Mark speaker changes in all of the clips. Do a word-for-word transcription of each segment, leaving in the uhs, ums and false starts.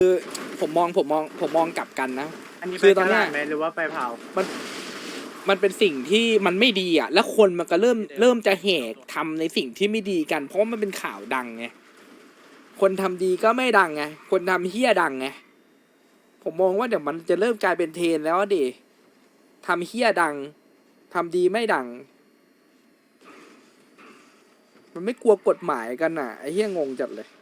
Speaker 1: ผมมองผมมองผมมองกลับกันนะ
Speaker 2: อันนี้
Speaker 1: คื
Speaker 2: ไป
Speaker 1: อตอนเนี้ย
Speaker 2: ตลาดไหมหรือว่าไปเผา
Speaker 1: มันมันเป็นสิ่งที่มันไม่ดีอ่ะ แล้วคนมันก็เริ่มเริ่มจะแหกทำในสิ่งที่ไม่ดีกัน เพราะว่ามันเป็นข่าวดังไงคนทำดีก็ไม่ดังไงคนทำเฮี้ยดังไงผมมองว่าเดี๋ยวมันจะเริ่มกลายเป็นเทรนแล้วอะดิทำเฮี้ยดังทำดีไม่ดัง มันไม่กลัวกฎหมายกันอ่ะไอ้เฮี้ยงงจัดเลย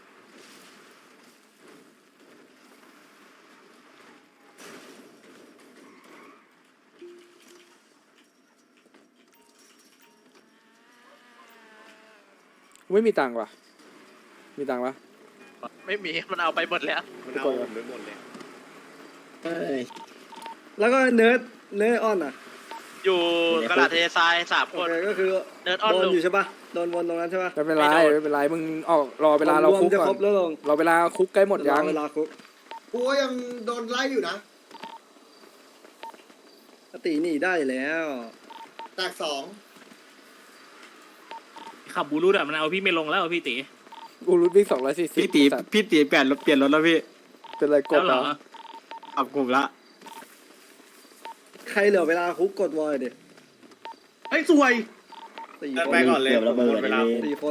Speaker 1: ไม่มีตังค์ว่ะมีตังค์ปะ
Speaker 3: ไม่มีมันเอาไปหมดแล้ว
Speaker 4: มันเอาผมไปหมดเลย
Speaker 5: เอ้ย
Speaker 2: แล้วก็เนิร์ดเนิร์ดออนอ่ะ
Speaker 3: อยู่กระดาษเททรายสาม
Speaker 2: โอ
Speaker 3: คน
Speaker 2: เคก็คือ
Speaker 3: เนิร์ดออน
Speaker 2: โดน
Speaker 3: ลุง
Speaker 2: อยู่ใช่ปะโดนวนตรงนั้นใช่ปะ
Speaker 1: ไม่เป็นไร
Speaker 3: ไม่โดน
Speaker 1: ไม่เป็นไรมึงออกรอเวลาเราคุก
Speaker 2: วมจะ
Speaker 1: ก่อ
Speaker 2: ครบ
Speaker 1: น
Speaker 2: แล้วลง
Speaker 1: รอเวลาคุกใกล้หมดยัง
Speaker 2: รอเวลาคุก
Speaker 4: กูก็ยังโดนไล่อยู่นะ
Speaker 2: ปกติหนีได้แล้ว
Speaker 4: แตกสอง
Speaker 6: ขับบูรุษอะมันเอาพี่ไม่ลงแล้วพี่ตี
Speaker 1: กูรู้วิ่งสองร้อยสี่สิบ
Speaker 5: พี่ตีพี่ตีเปลี่ยนรถเปลี่ยนรถแล้วพี่
Speaker 1: เป็นไรก
Speaker 6: แล้
Speaker 1: ด
Speaker 6: ว
Speaker 1: เห
Speaker 6: เห
Speaker 1: ร
Speaker 6: ร
Speaker 1: อ
Speaker 6: อ
Speaker 5: ขับกลุ่มละ
Speaker 2: ใครเหลือเวลาคุกกดวอยดิ
Speaker 6: ไอ้สวย
Speaker 2: สี่
Speaker 4: เดิน
Speaker 2: ค
Speaker 4: ไป
Speaker 2: น
Speaker 4: ก่อนเลย
Speaker 5: เกือบระเบิด
Speaker 4: หมดเวลา
Speaker 5: เลย
Speaker 2: สี่คน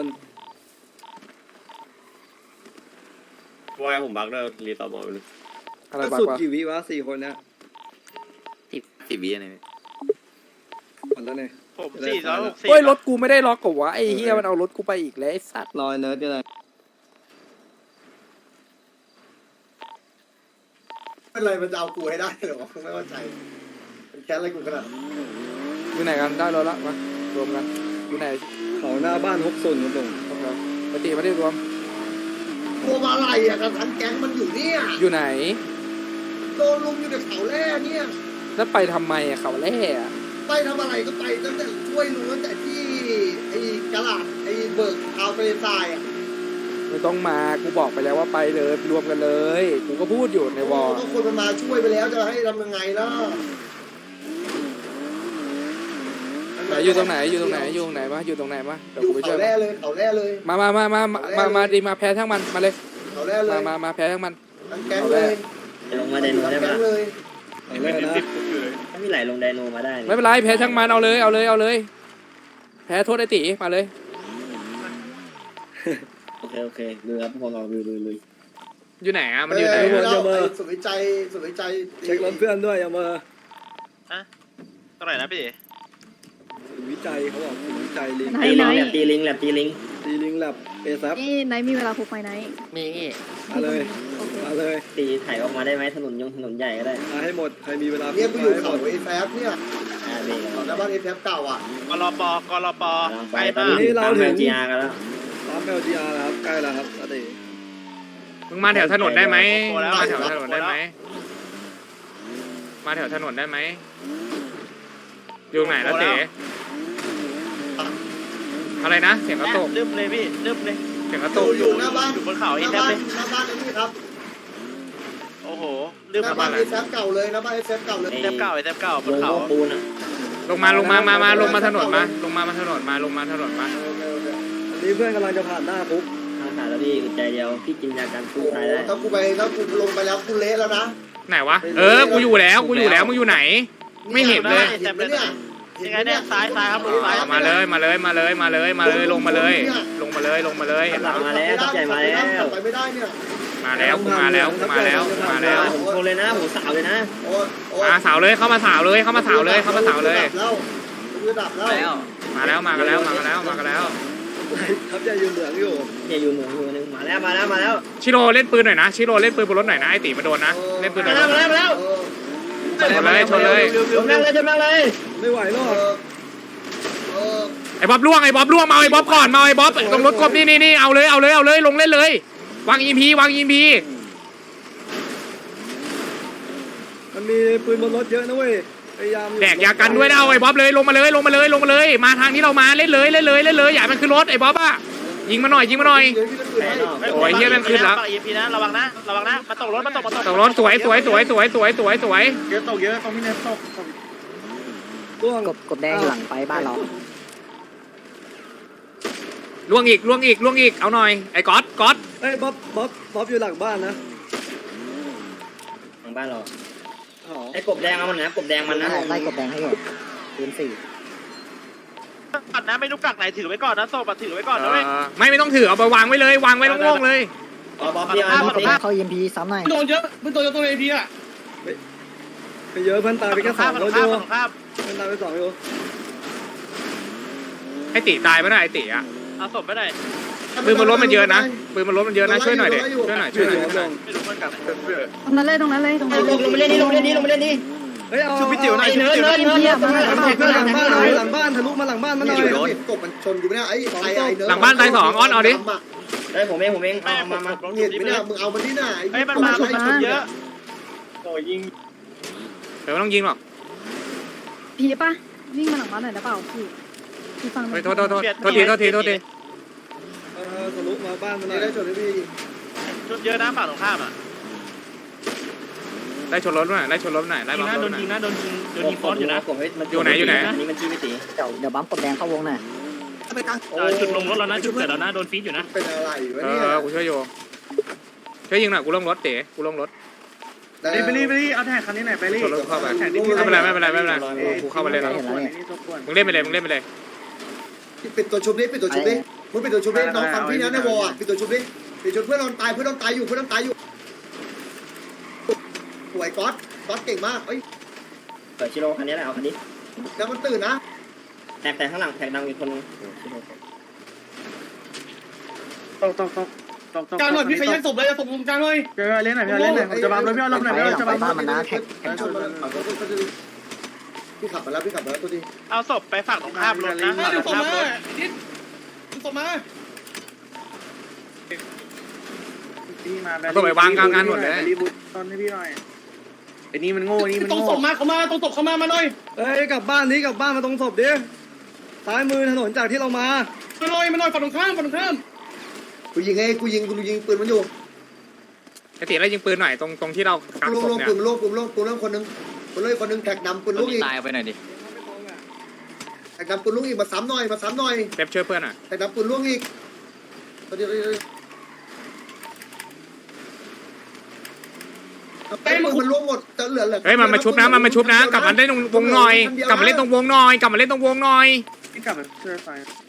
Speaker 4: วอยผมบักด้วยรีตอมอไปเลย
Speaker 1: อะไร
Speaker 2: ก็
Speaker 1: บ้าง
Speaker 2: สุด
Speaker 1: วะ
Speaker 2: กี่วิวะสี่คนเนี้ย
Speaker 5: สิบสิบวิอะไร
Speaker 2: หมดแล้วเนี่ย
Speaker 3: ผมสี่ร้อยหกสิบ
Speaker 1: เฮ้ยรถกูไม่ได้ล็อกกับวะไอ้เฮียมันเอารถกูไปอีกแล้วไอ้สัตว์
Speaker 2: รอยเนิร์ดก็ได้
Speaker 4: เป็นไรมันจะเอากูให้ได้เหรอไม่เข้าใจมันแค้นอะไรกูขนาดนั้น
Speaker 1: อยู่ไหนกันได้รถละมารวมกันอยู่ไหน
Speaker 2: เขาหน้าบ้านฮกซุนครับลง
Speaker 1: โอเคปกติไม่ได้รวม
Speaker 4: กลัวมาอะไรอ่ะกันทั้งแก๊งมันอยู่เนี่ย
Speaker 1: อยู่ไหน
Speaker 4: โดนลุมอยู่ในเขาแร่เนี่ย
Speaker 1: แล้วไปทำไมอะเขาแร่อะ
Speaker 4: ไปทำอะไรก็ไปตั้งแต่ช่วยลุงตั้งแต่ที่ไอ้กระลาดไอ้เบิกเอาไปทรายอ่ะ
Speaker 1: ไม่ต้องมากูบอกไปแล้วว่าไปเลยรวมกันเลยกูก็พูดอยู่ในวอล
Speaker 4: ก็คนมันมาช่วยไปแล้วจะให้ทำยังไงล่ะ
Speaker 1: ไหนอยู่ตรงไหนอยู่ตรงไหนอยู่ตรงไหนวะอยู่ตรงไหนวะเดี๋ยว
Speaker 4: อยู่
Speaker 1: กูไปช่
Speaker 4: เขา
Speaker 1: วย
Speaker 4: แร่เลยเขาแร่เลย
Speaker 1: มามามามามามามาดีมาแพ้ทั้งมันมาเลย
Speaker 4: เขาแร่เล
Speaker 1: มาย มามาแพ้ทั้งมัน
Speaker 4: ทั้งแก๊งเลย
Speaker 5: ลงมาไดโน
Speaker 4: ทั้ง
Speaker 5: ได้
Speaker 4: แก๊
Speaker 5: ปะ
Speaker 4: งเลย
Speaker 2: เอาเลยนะ
Speaker 5: ถ้าพี่ไหลลงไดโนมาได้
Speaker 1: ไม่เป็นไรแพ้ทั้งมันเอาเลยเอาเลยเอาเลย แพ้โทษไอ้ตีมาเลย
Speaker 5: โอเคโอเคดูครับพวกเราลุยลุยลุย
Speaker 1: อยู่ไหนอะมันอยู่ไหน
Speaker 4: เออ
Speaker 1: อะ
Speaker 4: แล้วไอ้สุดวิจัยสุดวิจัย
Speaker 2: เช็ครถเพื่อนด้วยอย่ามา
Speaker 3: เท่าไหร่นะพี่
Speaker 2: ศูนย์วิจัยเขาบอกศูนย์วิจัยลิง
Speaker 7: ไหน
Speaker 5: ตี
Speaker 7: ไหน
Speaker 5: ลิงแลบตีลิงแลบตีลิง
Speaker 2: ตีลิงแลบเอซับ
Speaker 7: นี่ไหนมีเวลาคุกไหมไหน
Speaker 5: มี
Speaker 2: มาเลย
Speaker 7: โอเค
Speaker 2: มาเลย
Speaker 5: ตีถ่ายออกมาได้ไหมถนนยงถนนใหญ่ก็ได้
Speaker 2: มาให้หมดใครมีเวลา
Speaker 4: เนี่ยกูอยู่
Speaker 2: ให้ห
Speaker 4: เขา
Speaker 2: มด
Speaker 4: ไอ้แฟบเนี่ย
Speaker 5: อ่าเบรก
Speaker 4: เขาหน้าบ้านไอ้แฟบเก่าอ่ะ
Speaker 3: กรปกรป
Speaker 5: กำลังไป
Speaker 3: ไป
Speaker 5: ตอน
Speaker 3: มา
Speaker 5: นี้ตามแมวจีอาร์กันแล้ว
Speaker 2: ปั๊มเอลจีอาร์นะครับใกล้แล้วครับอาเด
Speaker 1: มึงมาแถวถนนได้ไหม
Speaker 3: โอ้แล้ว
Speaker 1: มาแถวถนนได้ไหมมาแถวถนนได้ไหมอยู่ไหนแล้วเต๋อะไรนะเสียงกระตุก
Speaker 3: ลืมเลยพี่ลืมเลย
Speaker 1: เสียงกระ
Speaker 4: อ
Speaker 1: ตุ
Speaker 4: ยู่
Speaker 1: ก
Speaker 4: อยู่หน้าบ้าน
Speaker 3: อยู่บนเขา
Speaker 4: ห
Speaker 3: ไอ้
Speaker 4: น้า
Speaker 3: แทบ
Speaker 4: บ้าน
Speaker 3: เลย
Speaker 4: หน้าบ้านไอ้นี่ครับ
Speaker 3: โอ้โหลืม
Speaker 4: หน้าบ้านไอ้แฟบเก่าเลยหน้าบ้านไอ้แฟบเก่าเลย
Speaker 3: ไอ้แทบเก่าไอ้แทบเก่าบ
Speaker 5: ล
Speaker 3: น
Speaker 5: ง
Speaker 3: เขา
Speaker 5: โม้ปูนอ่ะ
Speaker 1: ลงมาลงมามามาลงมาถนนมาลงมามาถนนมาลงมาถนนมา
Speaker 2: อันนี้เพื่อนกำลังจะผ่านหน้าคุก
Speaker 5: ทางผ่านแล้วพี่อึดใจเดียวพี่กินยากันสู้
Speaker 4: โอ้โห
Speaker 5: ตายได้
Speaker 4: ถ้ากูไปถ้ากูลงไปแล้วกูเละแล้วนะ
Speaker 1: ไหนวะเออกูอยู่แล้วกูอยู่แล้วมึงอยู่ไหน ไม่เห็นเลย
Speaker 4: เห็นไหมเนี่ย
Speaker 3: ยังไงเนี่ยซ้ายซ้ายครับลงซ้าย
Speaker 1: เอามาเลยมาเลยมาเลยมาเลยมาเลยลงมาเลย ลงมาเลยลงมาเลยเห็น
Speaker 5: หลั
Speaker 1: แล้ว
Speaker 5: งมาแล้วตั้งใจมาแล้ว
Speaker 4: ไปไม่ได้เนี่ย
Speaker 1: มาแล้วกูมาแล้วกูมาแล้วกูมาแล้ว
Speaker 5: ผมโชว์เลยนะผมสาวเลยนะ
Speaker 4: โอ้ยโอ้ย
Speaker 1: มาสาวเลยเข้ามาสาวเลยเข้ามาสาวเลยเข้ามาสาวเลย
Speaker 4: แล้วกูดับแล้ว
Speaker 1: มาแล้วมากันแล้วมากันแล้วมากันแล้ว
Speaker 2: ครับจะยืนเหลืองอยู่
Speaker 5: เนี่ยอยู่หนึ่งอยู่หนึ่งมาแล้วมาแล้วมาแล้ว
Speaker 1: ชิโร่เล่นปืนหน่อยนะชิโร่เล่นปืนบนรถหน่อยนะไอตีมาโดนนะเล่นปืนหน่
Speaker 5: มา
Speaker 1: อย
Speaker 5: แล้วมาแล้วมาแล้ว
Speaker 4: เออ
Speaker 1: ชนเลยชนเลย
Speaker 5: ชนแม่งเลยชนแม่งเลย
Speaker 2: ไม่ไหวหร
Speaker 4: เอ
Speaker 2: อก
Speaker 4: อเออ
Speaker 1: ไอ้บ๊อบล่วงไอ้บ๊อบล่วงมาไอ้บ๊อบก่อนมาไอ้บ๊อบตรงรถกบนี่นี่นี่เอาเลยเอาเลยเอาเลยลงเล่นเลยวางอีพีวางอีพี
Speaker 2: มันมีปืนบนรถเยอะนะเว้ยพยายาม
Speaker 1: แดกยากันด้วยนะเอาไอ้บ๊อบเลยลงมาเลยลงมาเลยลงมาเลย มาทางที่เรามาเล่นเลยเล่นเลยเล่นเลยอย่ามันขึ้นรถไอ้บ๊อบอะยิงมาหน่อยยิงมาหน่อย
Speaker 4: เดี๋ยวพี่จะปืนให้
Speaker 1: โอ้ยเหี้ยแม่งขึ้นแล้ว
Speaker 3: อีพีนะระวังนะระวังนะมาตกรถมาตกมาตก
Speaker 1: ตกรถสวยสวยสวยสวยสวยสวยสวย
Speaker 2: เยอะตกเยอะตรงนี้เนี่ยตกร่วง
Speaker 7: กบกบแดงหลังไปบ้านเรา
Speaker 1: ล่วงอีกล่วงอีกล่วงอีกเอาหน่อยไอ้ก๊อตก๊อต
Speaker 2: เอ้ยบ๊อบบ๊อบบ๊อบอยู่หลังบ้านนะ
Speaker 5: บ้านเรา
Speaker 2: อ๋อ
Speaker 5: ไอ้กบแดงเอามันนะกบแดงมันนะ
Speaker 7: ไล่กบแดงให้อยู่ปืนสี่
Speaker 3: ก่อนนะไม่รู้กักไหนถือไว้ก่อนนะโซ่บัตรถือไว้ก่อนนะเว้ย
Speaker 1: เออไม่ไม่ต้องถือเอาไปวางไว้เลยวางไว้โล่งๆเลย
Speaker 5: บอสพี่เอา
Speaker 3: เอา
Speaker 5: พี่
Speaker 3: เอา
Speaker 7: เข้า E M P ซ้ำหน่อย
Speaker 6: โดนเยอะมึงโดนตัวเอพีอ่ะ
Speaker 2: ไปเยอะเพื่อนตายไปแค่สอง
Speaker 3: ฝั่
Speaker 2: ร
Speaker 3: ง
Speaker 2: ถ
Speaker 3: ข้า
Speaker 2: อ
Speaker 3: ม
Speaker 2: ยู่
Speaker 3: ฝั่งข้าม
Speaker 2: เพื่อนตายไปสองอยู่
Speaker 1: ไอติตายไม่ได้ไอติอ่ะ
Speaker 3: เอาศพไปไหน
Speaker 1: ปืนมันรถมันเยอะนะปืนมันรถมันเยอะนะช่วยหน่อยเด็ช่วยหน่อยช่วยหน่อยช่วยหน่อย
Speaker 3: ไม่รู้มันกักไหน
Speaker 7: ตรงนั้นเลยตรงนั้นเลยตรงนั้น
Speaker 5: ลงลงไปเล่นนี่ลงไปเล่นนี่ลงไปเล่นนี่
Speaker 2: เฮ้ยเอา
Speaker 5: ชุบพี่จิ๋วหน่อยเนิร์ดเนิร์ดเนิร์ดเนิร์ด
Speaker 2: หลังบ้านหน่อยหลังบ้านทะลุมาหลังบ้านมาหน่อย
Speaker 4: กบมันชนอยู่ไม่ได้ไอ้ไอ้ไอ้เนื้อ
Speaker 1: หลังบ้านตายสองออนเอาดิ
Speaker 5: ได้ผมเองผมเอง
Speaker 3: แม่
Speaker 5: เอา
Speaker 3: มา
Speaker 5: มา
Speaker 3: มา
Speaker 5: มา
Speaker 4: เห็นไม่ได้มึงเอามันที่ไหน
Speaker 3: เฮ้ยมันมามันชนเยอะ
Speaker 6: โอ้ยยิง
Speaker 1: เดี๋ยวไม่ต้องยิงหรอก
Speaker 7: พีป่ะวิ่งมาหลังบ้านหน่อยได้เปล่าพี่พี่ฟัง
Speaker 1: เฮ้ยโทษโทษโทษโทษทีโทษทีโทษที
Speaker 2: เออทะลุมาบ้านมาหน่
Speaker 4: นี่
Speaker 2: อย
Speaker 4: ได้ชนพี่
Speaker 3: ชนเยอะนะฝั่งตรงข้ามอ่ะ
Speaker 1: ไล่ชนรถหน่อยไล่ชนรถหน่อยไล่
Speaker 6: ยิง
Speaker 1: บัม
Speaker 6: นะ
Speaker 1: ร
Speaker 6: โด
Speaker 1: ถ
Speaker 6: น
Speaker 1: หน่อย
Speaker 6: ยิงนะโดนยิงโดนยิงฟอสอยู่นะ
Speaker 5: กบให้มัน
Speaker 1: อยู่ไหนอยู่ไหน
Speaker 5: อันนี้มันจี้ไม่ตี
Speaker 7: เดี๋ยวเดี๋ยวบัมกบแดงเข้าวงหน่อย
Speaker 6: เออจุดลงรถแล้วนะจุดเกิดแล้วนะโดนฟีดอยู่นะ
Speaker 4: เป็นอะไรวะ
Speaker 1: เอ
Speaker 4: เนี่ย
Speaker 1: อกูช่วยโยช่วยยิงหน่อยกูลงรถเต๋กูลงรถ
Speaker 6: ไปไปรีไปรีเอาแท็กคันนี้หน่อยไปรี
Speaker 1: ชนรถเข้าไป
Speaker 6: แท็ก
Speaker 1: ไม่เป็นไรไม่เป็นไรไม่เป็นไรกูเข้ามาเลยแล้ว
Speaker 7: เห็นแล้วเนี่ย
Speaker 1: มึงเล่นไปเลยมึงเล่นไปเลย
Speaker 4: ปิดตัวชุบนี้ปิดตัวชุบนี้มึงปิดตัวชุบนี้น้องฟังพี่นะในวอร์ปิดตัวชุบนี้ปิดชุบเพื่อนนอนตายเพื่อนนอนตายอยู่เพื่อนนอนตายอยู่สวยก๊อตก๊อตเก่งมากเอ้ย
Speaker 5: เปิดชิโร่คันนี้แหละเอาคันนี้
Speaker 4: แล้วมันตื่นนะ
Speaker 5: แท็กแต่ข้างหลังแท็กดังอีกคนนึง
Speaker 6: ตกตกตกตกตกกลางหน่อยพี่ขยันศพเลยศพมุมกลางหน่อยเดี๋ยวเล่นหน่อยพี่เล่นหน่อยผมจะบัมเลยพี่เอาลบหน่อยพี่เอาจะบัม
Speaker 7: บ้านมันนะแท็กแท็ก
Speaker 4: พี่ขับมาแล้วพี่ขับมาแล้วตัวดี
Speaker 3: เอาศพไปฝั่งตรงข้ามรถนะฝั่งตรงข้ามรถ
Speaker 6: ดิดิศพมา
Speaker 1: ต้องไปวางกลางงานหมดเลย
Speaker 6: รีบูทตอนให้พี่หน่อยไอ้นี่มันโง่นี่มันตรงศพมาเขามาตรงศพเขามามาหน่อย
Speaker 2: เฮ้ยกลับบ้านนี้กลับบ้านมาตรงศพดิซ้ายมือถนนจากที่เรามา
Speaker 6: มาหน่อยมาหน่อยฝั่งตรงข้ามฝั่งตรงข้าม
Speaker 4: กูยิงไงกูยิงกูยิงปืนมันอยู่
Speaker 1: ไอติไล่ยิงปืนหน่อยตรงตรงที่เรากัก
Speaker 4: กูลง
Speaker 1: ศพ
Speaker 4: ลง
Speaker 1: เนี่ย
Speaker 4: ปืนลงปืนลงปืนลงคนนึงปืนลงคนนึงแท็กดำปืนลูกอีก
Speaker 8: ตายไปหน่อยดิ
Speaker 4: แท็กดำปืนลูกอีกมาซ้ำหน่อยมาซ้ำหน่อย
Speaker 1: เป๊ปช่วยเพื่อนหน่อย
Speaker 4: แท็กดำปืนลูกอีกตัวเดียวไอ้ปืนมันล่วงหมดจะเหลือเหลือ
Speaker 1: เฮ้ยมันมาชุบนะมันมาชุบนะกลับมาเล่นตรงวงหน่อยกลับมาเล่นตรงวงหน่อยกลับมาเล่นตรงวงหน่อย
Speaker 6: พี่กลับไปช่วยไฟ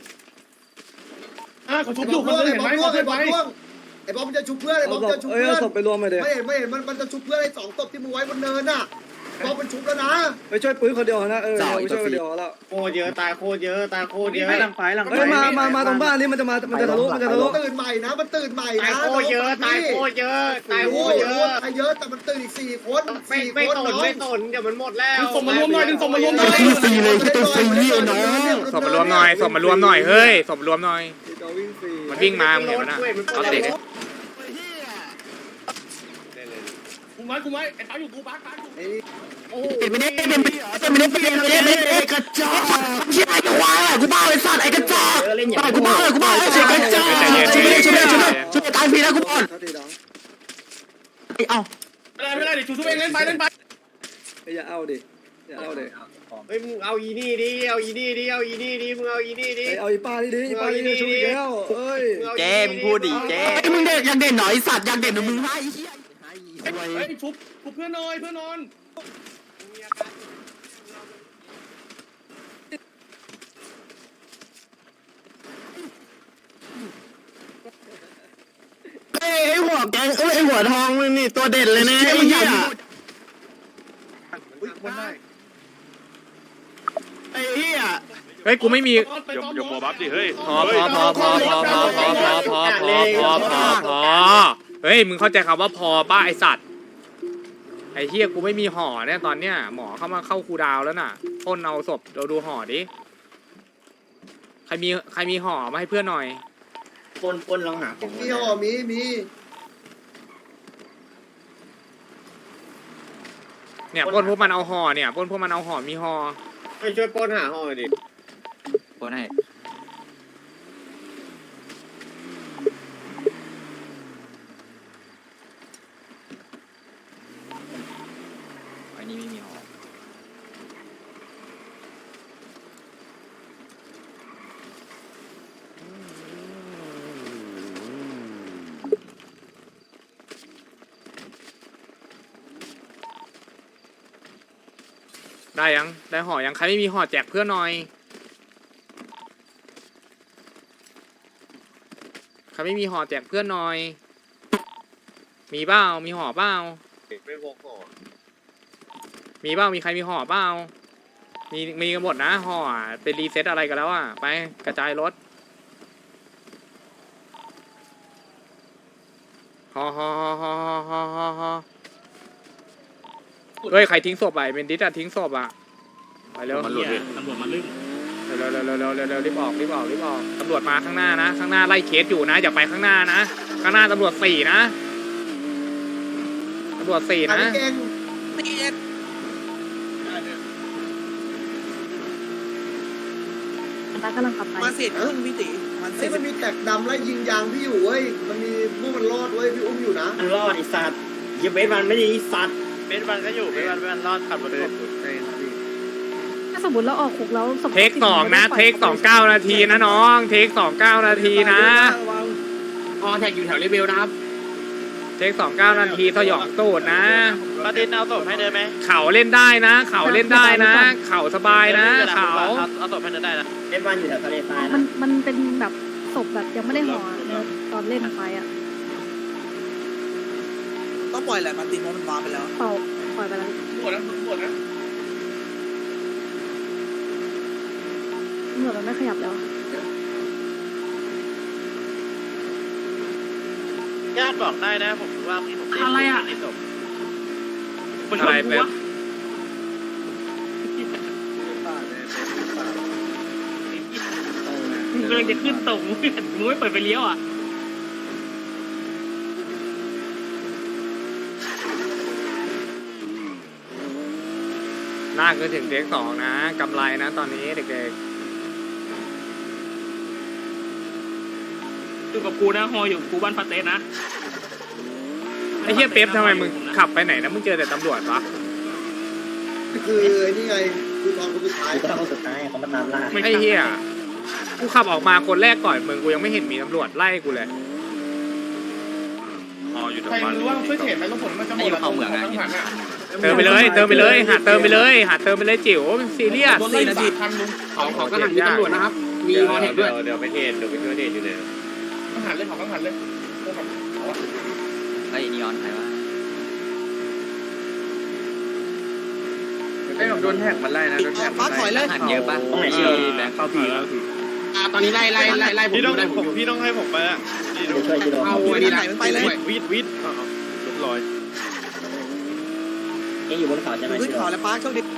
Speaker 6: อ่าเขาชุ
Speaker 4: ไอ้
Speaker 6: บบ อ
Speaker 4: อยู่ ล
Speaker 6: เขา
Speaker 4: ล่วง
Speaker 6: เห็
Speaker 4: ไอ้
Speaker 6: น
Speaker 4: บ
Speaker 6: ไห
Speaker 4: อ
Speaker 6: ม
Speaker 4: ลล่วง
Speaker 6: เขา
Speaker 4: ไอ้
Speaker 6: เห็นไหม
Speaker 4: บอลล่วงไอ้บอลมันจะชุบเพื่อนไอ้บอ
Speaker 2: เอา
Speaker 4: ล
Speaker 2: ศ
Speaker 4: มัน
Speaker 2: พ
Speaker 4: จะชุบ
Speaker 2: เอ้ย
Speaker 4: เพื่อ
Speaker 2: เอา
Speaker 4: น
Speaker 2: ศพไปรวมไปเด็
Speaker 4: ไม่เห็นไม่เห็นมันมันจะชุบเพื่อนไอ้สองศพที่มึงไว้บนเนินน่ะบอลมันชุบแล้วนะ
Speaker 2: ไปช่วยปื้นคนเดียวนะเออไปช่วยคนเดียวแล้ว
Speaker 5: โคตรเยอะตายโคตรเยอะตายโคตรเยอะ
Speaker 6: หลังไฟหลังไฟ
Speaker 2: เฮ้ยมามามาตรงบ้านนี้มันจะมามันจะทะลุมันจะทะลุ
Speaker 4: ตื่นใหม่นะมันตื่นใหม่
Speaker 5: ตาย
Speaker 4: นะ
Speaker 5: โคตรเยอะตายโคตรเยอะตายโค
Speaker 4: โอ้
Speaker 5: ตร
Speaker 4: ย
Speaker 5: เยอะ
Speaker 4: ตายเยอะแต่มันตื่นอีกสี่คน
Speaker 5: ไม่
Speaker 4: สี่
Speaker 5: ไม่
Speaker 4: คน
Speaker 5: ตน
Speaker 4: น้อง
Speaker 5: ไม่ตนเดี๋ยวมันหมดแล้ว
Speaker 6: ดึงศพมารวมหน่อยดึงศพมารวมหน่อย
Speaker 1: ศพมารวมหน่อยศพมารวมหน่อยเฮ้ยศพมารวมหน่อย
Speaker 2: จะวิ่งฟรี
Speaker 1: มันวิ่งมามึงเห็นมันนะเอาเตะดิ
Speaker 6: กูไว้กูไว้ไอ้ตาอยู่กูบักบักอยู่
Speaker 7: ไม่ได้เป็นไม่ได้เป็นไม่ได้เป็นไอ้กระจอกเชี่ยไอ้ควายกูบ้าไอ้สัตว์ไอ้กระจอก
Speaker 5: เล่นอย่าง
Speaker 7: กูบ้ากูบ้าไอ้กระจอกช่วยช่วยช่วยช่วยช่วยตายฟรีแล้วกูบอล
Speaker 2: เท่าทีน้อง
Speaker 7: เอ้า
Speaker 6: ไม่ได้ไม่ได้เดี๋ยวชูทุบเองเล่นไปเล่นไป
Speaker 2: อย่าเอาดิอย่าเอาดิ
Speaker 5: เฮ้ยมึงเอาอีนี่ดิเอาอีนี่ดิเอาอีนี่ดิมึงเอาอีนี่ดิ
Speaker 2: เอาอีป้าดิดิอีป้าดิช่วยแล้วเอ้ย
Speaker 8: เจ๊มึงพูดดิเจ๊
Speaker 7: ไอ้มึงเด็กยังเด่นหน่อยสัตว์ยังเด่นมึงให้ไอ้เหี้ย
Speaker 6: เฮ้ยชุบชุบเพื่อนนอนเพื่อนนอน
Speaker 7: ไอ้หัวแกงเอ้ยไอ้หัวทองมึงนี่ตัวเด่นเลยนะไอ้เหี้ย ไอ้เหี้ย
Speaker 1: เฮ้ยกูไม่มี
Speaker 3: ยกยกโมบัฟดิเฮ้ย
Speaker 1: พอพอพอพอพอพอพอพอพอพอพอพอพอเฮ้ยมึงเข้าใจคำว่าพอป้าไอสัตว์ไอเฮียกูไม่มีห่อเนี่ยตอนเนี้ยหมอเข้ามาเข้าคูดาวแล้วน่ะพ่นเอาศพเราดูห่อดิใครมีใครมีห่อมาให้เพื่อนหน่อย
Speaker 5: ปนปนลองหาของ
Speaker 4: มีห่อมีมี
Speaker 1: เนี่ยพ่นพวกมันเอาห่อเนี่ยพ่นพวกมันเอาห่อมีห่อ
Speaker 5: ไปช่วยปนหาห้องดิ
Speaker 8: โอนให้อันนี้ไม่มีหอ
Speaker 1: ได้ยังได้ห่อยังใครไม่มีห่อแจกเพื่อนหน่อยใครไม่มีห่อแจกเพื่อนหน่อย มีเปล่ามีห่อเปล่า
Speaker 5: ไม่พกห่อ
Speaker 1: มีเปล่ามีใครมีห่อเปล่ามีมีกันหมดนะห่อเป็นรีเซ็ตอะไรกันแล้วอ่ะไปกระจายรถห่อห่อห่อห่อห่อห่อห่อเฮ้ยใครทิ้งศพไปเป็นดิสอะทิ้งศพอ่ะไปเร็ว
Speaker 6: ตำรวจตำรวจมาลืม
Speaker 1: เร็วเร็วเร็วเร็วเร็วเร็วเร็วรีบออกรีบออกรีบออกตำรวจมาข้างหน้านะข้างหน้าไล่เคสอยู่นะอย่าไปข้างหน้านะข้างหน้าตำรวจสี่นะตำรวจสี่
Speaker 4: อัน
Speaker 1: นะ
Speaker 4: นี้เก่ง
Speaker 9: ตากำลังขับไป
Speaker 7: มาเสร็จครึ่งพี่ติมันเส
Speaker 4: เฮ้
Speaker 7: ร็
Speaker 4: ย
Speaker 7: จ
Speaker 4: มันมีแตกดำไล่ยิงยางพี่อยู่เว้ยมันมีพวกมันรอดเว้ยพี่อุ้มอยู่นะ
Speaker 5: มันรอดไอ้สัตว์เยี่ยเบสมันไม่ดีไอ้สัตว์
Speaker 3: เบนวันก็อยู่เบนวันเบนวันรอดขับรถศพอยู่
Speaker 9: ถ้าสมมติเราออกคุกแล้วศพ
Speaker 1: เทคสองนะเทคสองเก้านาทีนะน้องเทคสองเก้านาทีนะ
Speaker 6: พอแท็กอยู่แถวเลเวลนะครับ
Speaker 1: เทคสองเก้านาทีสยองตูดนะ
Speaker 3: ประเด็นเอาศพให้เดินไหม
Speaker 1: เขาเล่นได้นะ เขาเล่นได้นะ เขาสบายนะเขา
Speaker 3: เอาศพให้เดินได้นะ
Speaker 5: เบสมันอยู่แถวทะเลทราย
Speaker 9: มั
Speaker 5: นะ
Speaker 9: นมันเป็นแบบศพแบบยังไม่ได้ห่อเนอะตอนเล่นไปอ่ะ
Speaker 7: ต้องปล่อยแหละมาติเพราะมันวางไปแล้ว
Speaker 9: เป่าปล่อยไปแล้ว
Speaker 6: หมดแล้วหมดแล้ว
Speaker 9: ตำรวจมันไม่ขยับแล้ว
Speaker 3: ญาติบอกได้นะผมว่าพี่ผมในศพ
Speaker 1: อะไรเป็น
Speaker 6: มึงกำลังจะขึ้นตรงมึงไม่เปิดไฟเลี้ยวอ่ะ
Speaker 1: น่าจะถึงเทคสองนะกำไรนะตอนนี้เด็ก
Speaker 6: อยู่กับกูนะฮออยู่กูบ้านปาเต้นะ
Speaker 1: ๆไอ้เฮียเป๊ปทำไมมึงขับไปไหนนะมึงเจอแต่ตำรวจวะ
Speaker 4: คือไอ้นี่ไงคือตอนคนสุดท้าย
Speaker 5: กูต้องเอาสุดท้ายเขามาตามล่า
Speaker 1: ไอ้เฮียกูขับออกมาคนแรกก่อนมึงกูยังไม่เห็นมีตำรวจไล่กูเลย
Speaker 6: ใครรู้ว่าช่วยเทรดไหมต้องผลมันจะหมดแล้วต้องหันอ่ะ
Speaker 1: เติมไปเลยเติมไปเลยหาเติมไปเลยหาเติมไปเลยจิ๋วซีเรียส
Speaker 6: สี่นาทีทันลุงเขาเขาก็หันมีตำรวจนะครับมีฮอเทคด้วย
Speaker 5: เดี๋ยวไปเทรดเดี๋ยวไปช่วยเทรดอยู่ไหน
Speaker 6: ต้องหันเลยเขาต้องหันเลย
Speaker 8: ไอ้นีออนใครวะ
Speaker 6: ไอ้ผมโดนแท็กมันไล่นะโดนแท็ก
Speaker 7: ฟ้าถอยเลย
Speaker 8: หันเยอะปะ
Speaker 5: ตรงไหนเชียว
Speaker 8: แบงค์เข้าผี
Speaker 6: อ่าตอนนี้ไล่ไล่ไล่ไล่ผม
Speaker 3: พี่ต้อง
Speaker 6: ไล่ผม
Speaker 3: พี่ต้องให้ผมไปอ่ะ
Speaker 5: เดี๋ยวช่วยจิโร่
Speaker 6: เอาไอ้นี่ไหนมันไปเลย
Speaker 3: วิดวิดลุกลอย
Speaker 5: เอ็งอยู่บนเขาใช่ไหม
Speaker 7: ขึ้น
Speaker 5: จิโร่
Speaker 7: เขาแล้วฟ้าโชคดี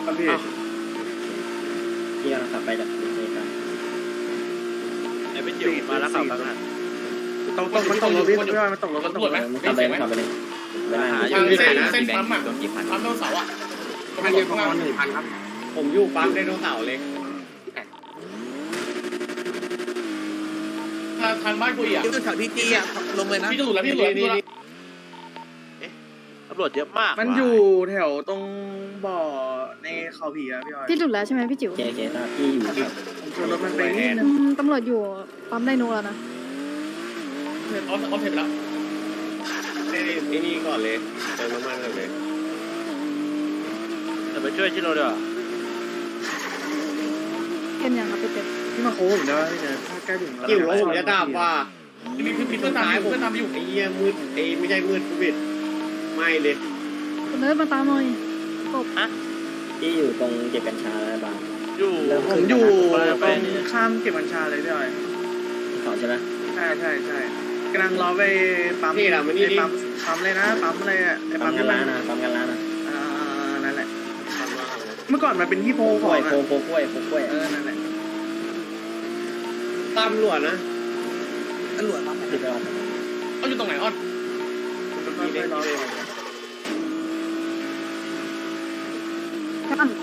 Speaker 5: ที่กำลังขับไปจากทะเลทราย
Speaker 3: ไอ้เป็นจิ๋วมาแล้วขับแล้วนะ
Speaker 6: ตรงตรงมันตกรถพี่ไม่ว่ามันตกรถมันตกรถไหม
Speaker 5: มึงขับไปมึงขับไปเลยเวลา
Speaker 8: หา
Speaker 5: หา
Speaker 8: อยู่
Speaker 6: เส้น
Speaker 8: นะ
Speaker 6: เส้นปั๊มอ่ะ
Speaker 8: โดนกี่พัน
Speaker 6: ปั๊มโดนเสาอ่ะพันเดียวประมาณหนึ่งพันครับผมอยู่ปั๊มไดโนเสาร์เลยทางบ้านกูอ่ะ
Speaker 7: ที่ขึ้นเขาพี่ตีอ่ะลงเลยนะ
Speaker 6: พี่จะหลุดแล้วพี่หลุดแล้วพี่หลุดแล้ว
Speaker 3: ตำรวจเยอะมาก
Speaker 6: มันอยู่แถวตรงบ่อในเขาผีอะพี่ออย
Speaker 9: พี่หลุดแล้วใช่ไหมพี่จิ๋ว
Speaker 5: เจ๊เจ๊ตาพี่อยู่ครับ
Speaker 6: ผมชนรถมันไปนิดนึ
Speaker 9: อื
Speaker 6: ง
Speaker 9: มตำรวจอยู่ปั๊มไดโนแล้วนะ
Speaker 6: เอาเอาเสร็จแล้วไอ้นี่ก่อนเลยเติมน้ำมันก่อนเลย
Speaker 3: จะไปช่วยชิโร่เดี๋ยว
Speaker 9: เต็มยังครับพี่เต็ม
Speaker 6: พี่มาโค้งได้พี่เจอใกล้ถึงแล้วกิ่วผมจะดับว่ะมีพี่เพื่อนตามอยู่เพื่อนตามอยู่ไอ้เหี้ยมืดไอ้ไม่ใช่มืดกูบิดไม่เลย
Speaker 9: คุณเลิศมาตามหน่อยกบ
Speaker 5: พี่อยู่ตรงเก็บกัญชาแล้วบ้าง
Speaker 3: อยู่
Speaker 6: ผมอยู่ตรงข้ามเก็บกัญชาเลยพี่ออย
Speaker 5: เขาใช่ไหม
Speaker 6: ใช่ใช่ใช่กำลังรอไปปั๊มไอ้ปั๊มปั๊มเลยนะปั๊มอะไรอ่ะไอ้
Speaker 5: ปั๊
Speaker 6: ปั๊
Speaker 5: ม
Speaker 6: ม
Speaker 5: กันร้านนะปั๊มกันร้านนะ
Speaker 6: อ่านั่นแหละเมื่อก่อนมันเป็นที่โพ
Speaker 5: โค
Speaker 6: ข
Speaker 5: ก
Speaker 6: อ
Speaker 5: ล้วย
Speaker 6: ง
Speaker 5: โคโคกล้วยโคกล้วย
Speaker 6: เออนั่นแหละตามหลวดนะ
Speaker 7: ตำรวจมา
Speaker 5: ที่ไปเอา
Speaker 6: เขาอยู่ตรงไหนอ้อนค่อยๆรอ
Speaker 9: ท่าน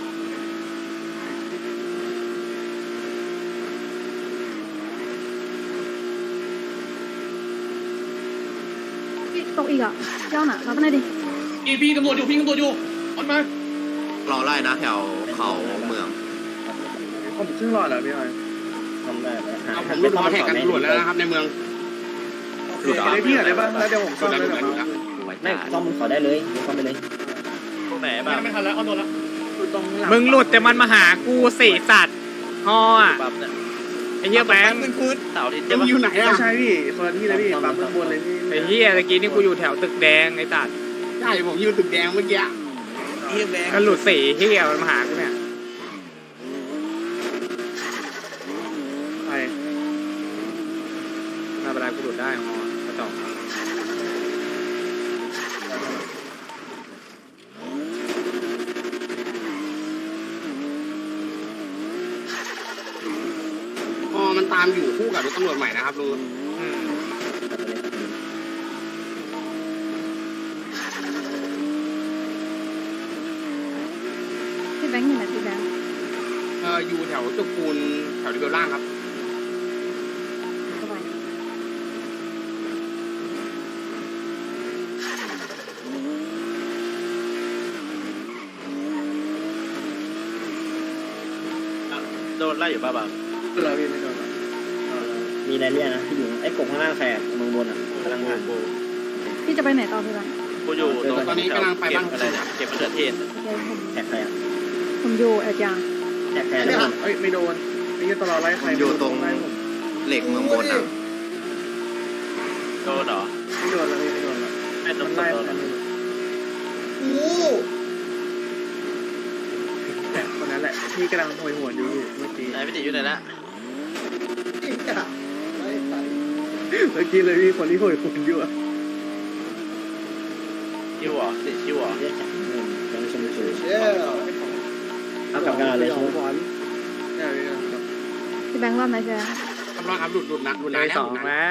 Speaker 9: พี่ตกอีกอ่ะเจ้าหน่ะรับมาหน่อยดิ
Speaker 6: อีพี่ตำรวจอยู่พี่ตำรวจอยู่อ้อนมาร
Speaker 8: อไล่นะแถวเขาเมือง
Speaker 6: ผมครึ่งรอดแล้วพี่ออย
Speaker 5: ทำได้ไหม
Speaker 6: เอาผมรุดรอแท็กกันตำรวจแล้วนะครับในเมือง
Speaker 7: หลุด
Speaker 6: ได้พี่อะไรบ้างแล้วเดี๋ยวผมซ่อมเลยแบบ
Speaker 5: ไม่ซ่อมเขาได้เลยซ่อมไปเลย
Speaker 3: ตรงไหนบ้า
Speaker 6: ไม่
Speaker 3: ง
Speaker 6: ไม่ทันแล้วอ้อนโดนแล้ว
Speaker 1: มึงหลุดแต่มันมาหากูสี่สัตว์ฮออ่ะ
Speaker 3: ปั๊บเนี่ย
Speaker 1: ไอ้เหี้ยแบงค์
Speaker 3: เสาร์อาทิตย์
Speaker 5: ยั
Speaker 3: ใช่
Speaker 5: ง
Speaker 3: ปะ
Speaker 5: อยู่ไหนอ่ะใช่พี่คนละที่เลยพี่ปั๊มข้างบนเลยพี่
Speaker 1: ไอ้เหี้ยตะกี้นี่กูอยู่แถวตึกแดงไอ้สัตว์
Speaker 5: ใช่ผมอยู่ตึกแดงเมื่อกี้
Speaker 1: ก็หลุดสี่เหี้ยมันมาหากูเนี่ย
Speaker 5: ไป
Speaker 1: มาเวลากูหลุดได้ฮอกระจอก
Speaker 5: อ๋อมันตามอยู่คู่กับรถตำรวจใหม่นะครับลุง
Speaker 1: อืม
Speaker 9: พี่แบงค์อยู่ไหนพี่แบงค์
Speaker 5: เอออยู่แถวจุกปูนแถวริเวลล่างครับ
Speaker 9: สบาย
Speaker 3: โดนไล่อยู่ป่ะบ้าง
Speaker 5: เราพี่ไม่โดนหรอก
Speaker 7: มีอะไรเรียกนะที่อยู่ไอ้กบข้างล่างแฝงเมืองบนอ่ะกำลังผ่าน
Speaker 9: พี่จะไปไหนต่อพี่แบงค์
Speaker 3: กูอยู่ตรงเก็บอะไรนะเก็บมะเขือเทศ
Speaker 9: โอเคผม
Speaker 7: แท็กใครอ่ะ
Speaker 9: ผมอยู่แอดยาง
Speaker 7: แท็กใคร
Speaker 5: ไม่
Speaker 7: แล้ว
Speaker 5: เอ้ยไม่โดนไม่ยืนตลอดไล่ใคร
Speaker 8: อยู่ตรง
Speaker 5: ไล่ผม
Speaker 8: เหล็กเมืองบนอ่ะ
Speaker 3: โดนเหรอ
Speaker 5: ไม่โดนแล้วพี่ไม่โดนแล้ว
Speaker 3: ไอ้ตร
Speaker 5: มั
Speaker 3: ง
Speaker 5: น
Speaker 3: ไล่
Speaker 5: ไล่ผม
Speaker 4: โอ้
Speaker 5: แต่คนนั้นแหละที่กำลังโหยหวนอยู่เมื่อกี้
Speaker 3: ไหนพี่ติอยู่ไหนละ
Speaker 4: ยไม่ไป
Speaker 5: เมื่อกี้เลยพี่คนที่โหยหวนอยู่อะ
Speaker 3: ชิวเหรอติชิวเหรอ
Speaker 7: เรียกจากหนึ่งยังชมเชย
Speaker 4: เชี่ย
Speaker 7: เอากลับกันเลยใช่ไหม
Speaker 5: เนี่ยพี่ครับ
Speaker 9: พี่แบงค์รอดไหมพี่แบงค์
Speaker 5: กำลังครับหลุดหลุดนะหลุด
Speaker 1: ได้
Speaker 5: นะ
Speaker 1: สองแล้ว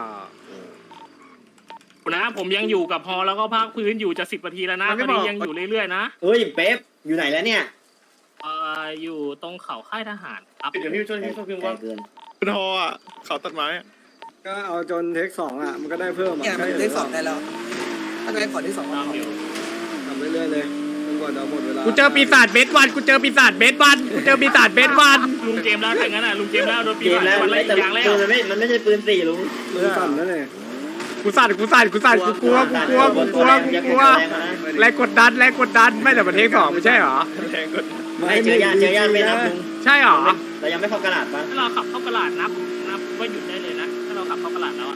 Speaker 10: นะผมยังอยู่กับพอแล้วก็ภาคพื้นอยู่จะสิบนาทีแล้วนะตอนนี้ยังอยู่เรื่อยๆนะ
Speaker 7: เฮ้ยเป๊ปอยู่ไหนแล้วเนี่ย
Speaker 10: เอ่ออยู่ตรงเขาค่ายทหารครับ
Speaker 5: เดี๋ยวพี่ช่วยพี่ช่วยพี่
Speaker 7: ไกล
Speaker 5: ว่า
Speaker 7: เกิน
Speaker 3: ทออ่ะเขาตัดไม้
Speaker 2: ก็เอาจนเทคสองอ่ะมันก็ได้เพิ่มอ่ะ
Speaker 6: เนี่ยมันได้สองได้แล้วถ้าได้ขอที่สอง
Speaker 10: ตามอยู่
Speaker 2: ทำเรื่อยๆเลยจนกว่าจะหมดเวลา
Speaker 1: กูเจอปีศาจเบสวันกูเจอปีศาจเบสวันกูเจอปีศาจเบสวัน
Speaker 10: ลุงเกมแล้วถ้างั้นอ่ะลุงเกมแล้วโดนปี
Speaker 7: เกม
Speaker 10: ศาจ
Speaker 7: แล้ว
Speaker 10: วัน
Speaker 7: มัน
Speaker 10: ไล่
Speaker 7: ไม่แต่
Speaker 10: อย่างแล้ว
Speaker 7: ปืนมันไม่มันไม่ใช่ปืนสี่ลุง
Speaker 2: มือสั่นแล้วเนี่ย
Speaker 1: กูสั่นกูสั่นกูสั่นกูกลัวกูกลัวกูกลัวกูกลัวแรงกดดันแรงกดดันไม่แต่ประเทศสองไม่ใช่เหรอ
Speaker 7: ไม่เจอยานเจอยานไม่นับลุง
Speaker 1: ใช่เหรอ
Speaker 7: เรายังไม่เข้ากระดาษปะ
Speaker 10: ถ้าเราขับเข้ากระลาดนับนับว่าหยุดได้เลยนะถ้าเราขับเข้ากระลาดแล้วอ่ะ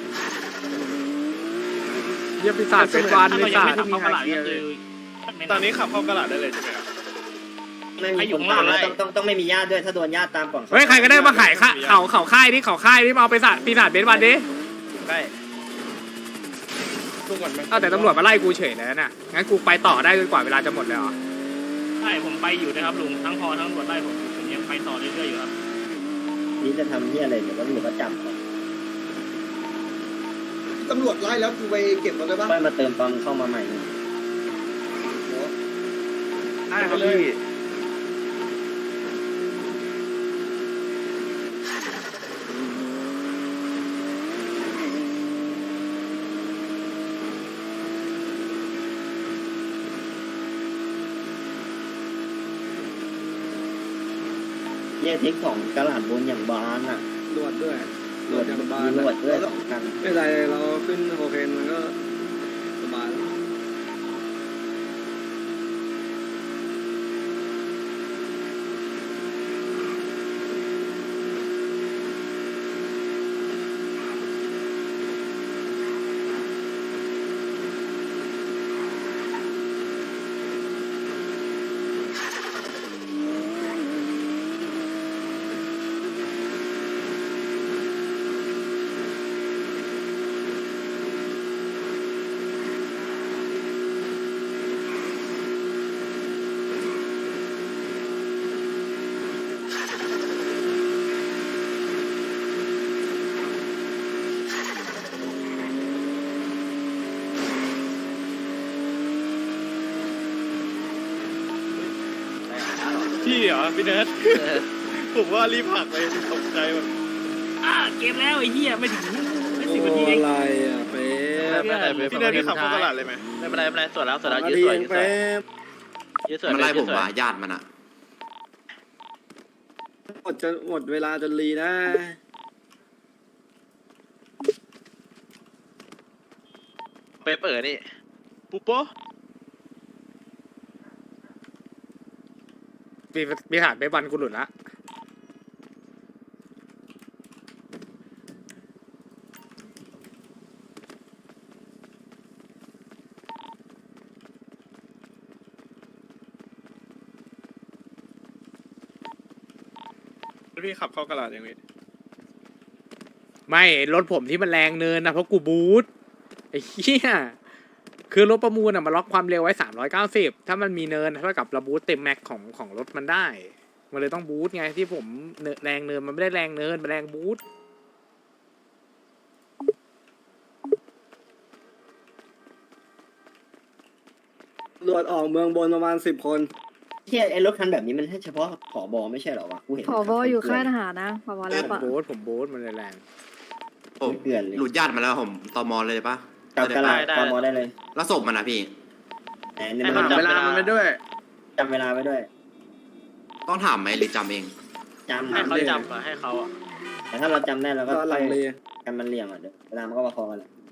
Speaker 1: เยี่ยปีศาจเบสวัน
Speaker 10: ถ้า
Speaker 1: ปี
Speaker 10: เรายัง
Speaker 1: ศา
Speaker 10: ไม่
Speaker 1: จ
Speaker 10: ขับเข้ากระลาดก็คือไม่
Speaker 3: ต
Speaker 10: นั
Speaker 3: อบ นนี้ขับเข้ากระดาษได้เลยใช่ไหมครับ
Speaker 7: ไม่มีคนตามนะต้องต้องต้องไม่มีญาติด้วยถ้าโดนญาติตามก่อน
Speaker 1: เฮ้ยใครก็ได้มาขายข้าเขาเขาค่ายนี่เขาค่ายนี่มาเอาไปศาจปีศาจเบสวันดิ
Speaker 3: ใกล้
Speaker 5: ทุกวันไหม
Speaker 1: เอาแต่ตำรวจมาไล่กูเฉยเลยน่ะงั้นกูไปต่อได้จนกว่าเวลาจะหมดเลยเหรอ
Speaker 10: ใช่ผมไปอยู่นะครับลุงทั้งพอทั้งตำรวจไล่ผมผมยังไปต่อเรื่อยๆอยู่ครับ
Speaker 7: นี่จะทำที่อะไรเดี๋ยวตำรวจก็จับ
Speaker 4: ตำรวจไล่แล้วกูไปเก็บมาได้ปะ
Speaker 7: ค่อยมาเติมตอนเข้ามาใหม่
Speaker 5: ได้ครับพี่
Speaker 7: แยกเทคของกระดาษบนอย่างบานอ่ะ
Speaker 2: รวดด้วย
Speaker 7: ตรวจ
Speaker 2: อย่างบาน
Speaker 7: มีตรวจด้วยสำคัญ
Speaker 2: ไม่เป็นไรเราขึ้นโคเคนมันก็สบายแล้ว
Speaker 3: พี่เหรอพี่เนิร์ดผมว่ารีบผักเลยตกใจแบบ
Speaker 10: อ่าเกมแล้วไอ้เหี้ยไม่ถึงไม่สิบ
Speaker 2: โอ้
Speaker 10: นาทีเอง
Speaker 2: อะไรอ่ะเป๊ะ
Speaker 3: พี่เนิร์ดพี่ขับเข้ากระดาษเลยไหมไม่เป็นไรไม่เป็นไรสวยแล้วสวยแล้ว
Speaker 2: นา
Speaker 3: ยืด
Speaker 2: ที
Speaker 3: สวย
Speaker 2: เอง
Speaker 3: ยืดสวย
Speaker 2: เป๊ะ
Speaker 3: ยืดสวย
Speaker 8: มันไล่ผม
Speaker 3: ยืดสวย
Speaker 8: ว่าญาติมันอ่ะ
Speaker 2: หมดจะหมดเวลาจนรีนะ
Speaker 3: เป๊ะเปิดนี่ปุ๊บโป๊ะ
Speaker 1: ปีปีหาดไปบันกูหลุดละ
Speaker 3: พี่ขับเข้ากระดาษยังไง
Speaker 1: ไม่รถผมที่มันแรงเนินนะเพราะกูบูทไอ้เหี้ยคือรถประมูลอ่ะมันล็อกความเร็วไว้สามร้อยเก้าสิบถ้ามันมีเนินเท่ากับระบูทเต็มแม็กของของรถมันได้มันเลยต้องบูทไงที่ผมเนินแรงเนินมันไม่ได้แรงเนินมันแรงบูท
Speaker 2: ตำรวจออกเมืองบนประมาณสิบคน
Speaker 5: เที่ยไอ้รถคันแบบนี้มันให้เฉพาะผอบอไม่ใช่เหรอวะกูเห็น
Speaker 9: ผอบออยู่ค่ายทหารนะผอบอ
Speaker 1: ผ
Speaker 9: แล้ว
Speaker 1: ม
Speaker 9: ปะ
Speaker 1: บูทผมบูทมันเลยแรง
Speaker 8: ผม
Speaker 5: เกลือนเลย
Speaker 8: หลุดญาติมาแล้วผมตมเลยปะ
Speaker 5: กับกระลาผอบอได้เลย
Speaker 8: แล้วศพมันนะพี่
Speaker 5: แหมเนี่ยมันจำเวลามันไปด้วยจำเวลาไว้ด้วย
Speaker 8: ต้องถามไหมหรือจำเอง
Speaker 5: จำ
Speaker 3: ให้เขาจำอะให้เขาอะ
Speaker 5: แต่ถ้าเราจำได้เราก็
Speaker 2: ก็ลังเล
Speaker 5: กันมันเลี่ยงอ่ะเดี๋ยวเวลามันก็ประคองกันแหละ